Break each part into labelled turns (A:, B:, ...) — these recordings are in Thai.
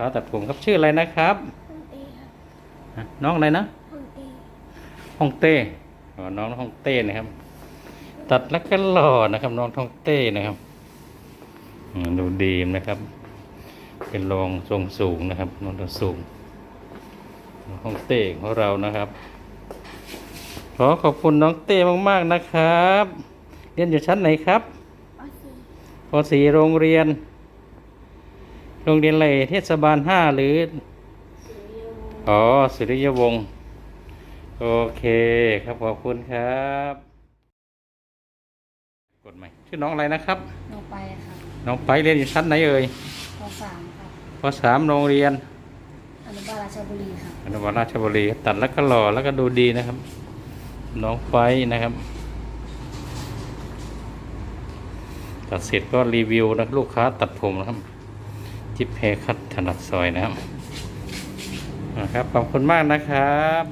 A: ค้าตัดผมครับชื่ออะไรนะครับน้องอะไรนะฮ่องเต้น้องฮ่องเต้นะครับตัดแล้วก็หล่อนะครับน้องฮ่องเต้นะครับดูดีนะครับเป็นรองทรงสูงนะครับน้องทรงสูงฮ่องเต้ของเรานะครับขอขอบคุณน้องเต้มากๆนะครับเรียนอยู่ชั้นไหนครับป .4 โรงเรียนอะไรเทศบาล5หรือสุริยวงศ์โอเคครับขอบคุณครับกดใหม่ชื่อน้องอะไรนะครับ
B: น้องไปครับ
A: น้องไปเรียนอยู่ชั้นไหนเอ่ย
B: ป .3 ครับ
A: ป .3 โรงเรียน
B: อนุบาลราชบุรีครับ
A: อนุบาลราชบุรีตัดแล้วก็หล่อแล้วก็ดูดีนะครับน้องไปนะครับตัดเสร็จก็รีวิวนะลูกค้าตัดผมนะครับจิ๊บเฮร์คัทถนัดซอยนะครับขอบคุณมากนะครับ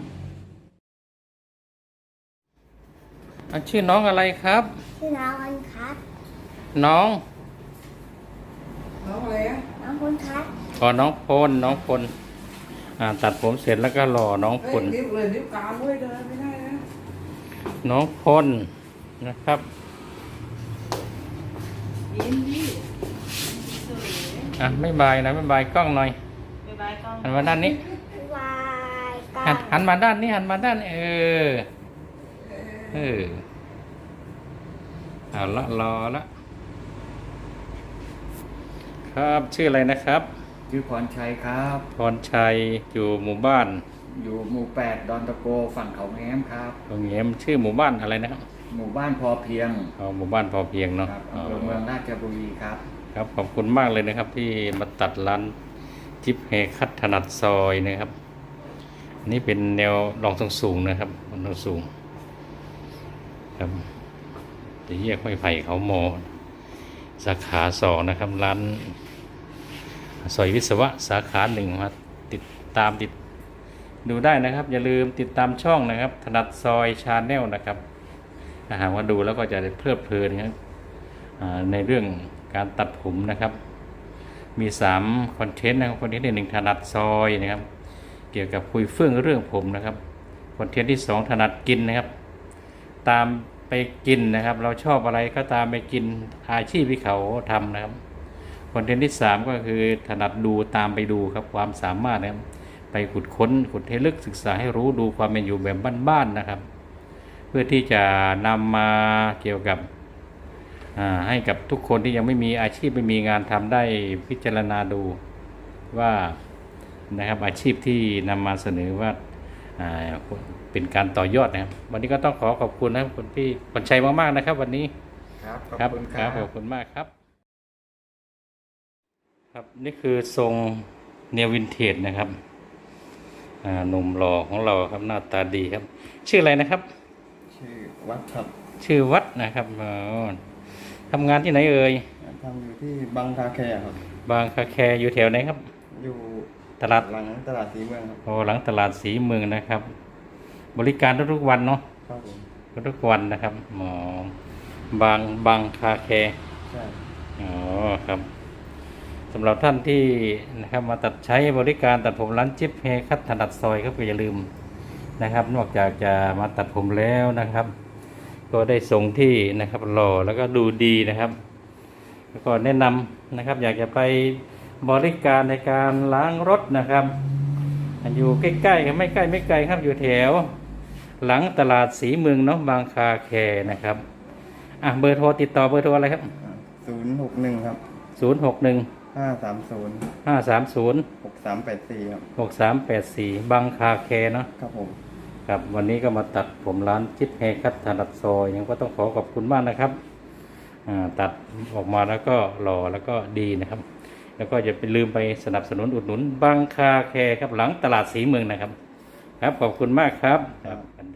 A: ชื่อน้องอะไรครับ
B: ชื่อน้องคนครับ
A: น้อง
B: อะไรอ่ะน้องคนครับ
A: น้องพลตัดผมเสร็จแล้วก็หล่อน้องพล
C: นิ้วเลยนิ้วกลางด้วยเดินไม่ได้นะ
A: น้องพลนะครับไม่บายนะไม่บายกล้องหน่อยหันมาด้านนี้หันมาด้านนี้เอาละรอละครับชื่ออะไรนะครับ
C: ชื่อพรชัยครับ
A: พรชัยอยู่หมู่บ้าน
C: อยู่หมู่8ดอนตะโกฝั่งเขาแง้มครับ
A: เขาแง้มชื่อหมู่บ้านอะไรนะครับ
C: หมู่บ้านพอเพียง
A: หมู่บ้านพอเพียงเนาะ
C: อำเภอเมืองราชบุรีครับ
A: ครับขอบคุณมากเลยนะครับที่มาตัดร้านจิ๊บเฮร์คัทถนัดซอยนะครับนี่เป็นแนวรองทรงสูงนะครับรองทรงสูงครับจะแยกไม้ไผ่เขาโมสาขา2นะครับร้านซอยวิศวะสาขา1มาติดดูได้นะครับอย่าลืมติดตามช่องนะครับถนัดซอยชาแนลนะครับถ้าหากว่าดูแล้วก็จะได้เพลิดเพลินครับในเรื่องการตัดผมนะครับมี3คอนเทนต์นะครับคอนเทนต์ที่1ถนัดซอยนะครับเกี่ยวกับคุยเฟื่องเรื่องผมนะครับคอนเทนต์ที่2ถนัดกินนะครับตามไปกินนะครับเราชอบอะไรก็ตามไปกินอาชีพที่เขาทำนะครับคอนเทนต์ที่3ก็คือถนัดดูตามไปดูครับความสามารถนะครับไปขุดให้ลึกศึกษาให้รู้ดูความเป็นอยู่แบบบ้านๆนะครับเพื่อที่จะนำมาเกี่ยวกับให้กับทุกคนที่ยังไม่มีอาชีพไม่มีงานทำได้พิจารณาดูว่านะครับอาชีพที่นำมาเสนอว่าเป็นการต่อยอดนะครับวันนี้ก็ต้องขอบคุณนะครับคุณพี่พรชัยมากๆนะครับวันนี้
C: ครับขอบคุณครับ
A: ขอบคุณมากครับครับนี่คือทรงเนววินเทจนะครับหนุ่มหล่อของเราครับหน้าตาดีครับชื่ออะไรนะครับ
C: ชื่อวัดครับ
A: ชื่อวัดนะครับทำงานที่ไหนเอ่ย
C: ทำอยู่ที่บางคาแคครับ
A: บางคาแคอยู่แถวไหนครับ
C: อยู่
A: ตลาด
C: หลังตลาดสีเมืองครับ
A: หลังตลาดสีเมืองนะครับบริการทุกวันเนาะ
C: ครับผม
A: ทุกวันนะครับบางคาแค
C: ใช่
A: ครับสำหรับท่านที่นะครับมาตัดใช้บริการตัดผมร้านจิ๊บเฮร์คัทถนัดซอยครับก็อย่าลืมนะครับนอกจากจะมาตัดผมแล้วนะครับก็ได้ทรงที่นะครับหล่อแล้วก็ดูดีนะครับแล้วก็แนะนำนะครับอยากจะไปบริการในการล้างรถนะครับอยู่ใกล้ๆไม่ใกล้ไม่ไกลครับอยู่แถวหลังตลาดสีเมืองเนาะบางคาแคนะครับเบอร์โทรติดต่อเบอร์โทรอะไรครับ
C: 061ครับ
A: 061 530
C: 6384ครับ
A: 6384บางคาแคเนาะ
C: ครับผม
A: ครับวันนี้ก็มาตัดผมร้านจิ๊บเฮร์คัทถนัดซอยยังก็ต้องขอบคุณมากนะครับตัดออกมาแล้วก็หล่อแล้วก็ดีนะครับแล้วก็อย่าไปลืมไปสนับสนุนอุดหนุนบางคาแคครับหลังตลาดสีเมืองนะครับครับขอบคุณมากครับ